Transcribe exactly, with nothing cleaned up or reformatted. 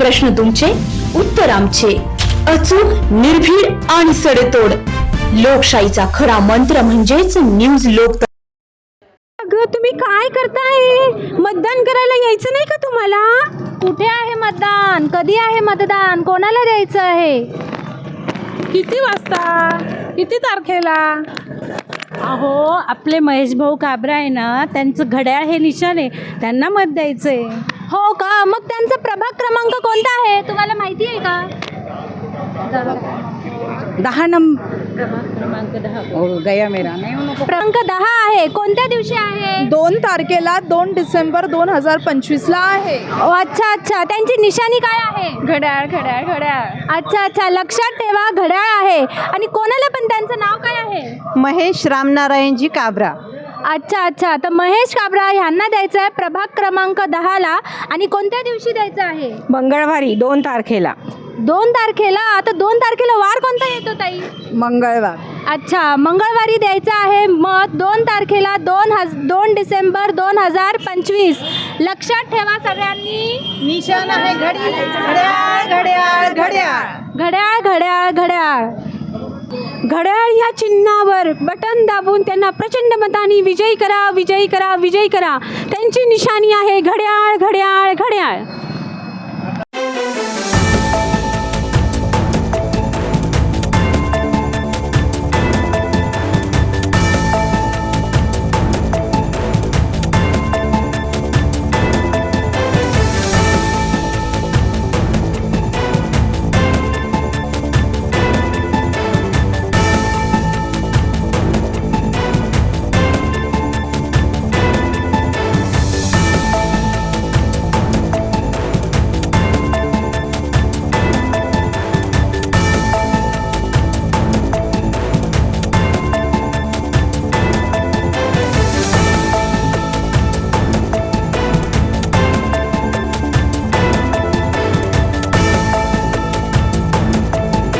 प्रश्न तुमचे, उत्तर आमचे. अचूक, निर्भीड आणि सडेतोड. लोकशाहीचा खरा मंत्र म्हणजेच न्यूज लोक. अगं तुम्ही काय करताय? मतदान करायला यायचं नाही का तुम्हाला? कुठे आहे मतदान? कधी आहे मतदान? कोणाला द्यायचं आहे? किती वाजता? किती तारखेला? अहो, आपले महेश भाऊ काबरा आहे ना, त्यांचं घड्याळ हे निशाण आहे, त्यांना मत द्यायचंय. हो का? मग त्यांचा प्रभाग क्रमांक कोणता आहे तुम्हाला माहिती आहे का? दहा नंबर क्रमांक दहा. गया मेरा नाही. क्रमांक दहा आहे. कोणत्या दिवशी आहे? दोन तारखेला दोन डिसेंबर दोन हजार पंचवीस ला आहे. ओ, अच्छा अच्छा. त्यांची निशाणी काय आहे? घड्याळ घड्याळ घड्याळ. अच्छा अच्छा, लक्षात ठेवा, घड्याळ आहे. आणि कोणाला पण त्यांचं नाव काय आहे? महेश रामनारायणजी काबरा. अच्छा अच्छा. तर महेश काबरा ह्यांना द्यायचं आहे प्रभाग क्रमांक दहाला. आणि कोणत्या दिवशी द्यायचं आहे? मंगळवारी दोन तारखेला. दोन तारखेला. आता दोन तारखेला वार कोणता येतो ताई? मंगळवार. अच्छा, मंगळवारी द्यायचं आहे मत. दोन तारखेला दोन हज दोन डिसेंबर दोन हजार पंचवीस. लक्षात ठेवा सगळ्यांनी. निशाण आहे घडी. घड्याळ घड्याळ घड्याळ. घड्याळ घड्याळ घड्याळ. घड्याळ या चिन्हावर बटन दाबून त्यांना प्रचंड मताने विजयी करा, विजयी करा, विजयी करा. त्यांची निशाणी आहे घड्याळ घड्याळ घड्याळ.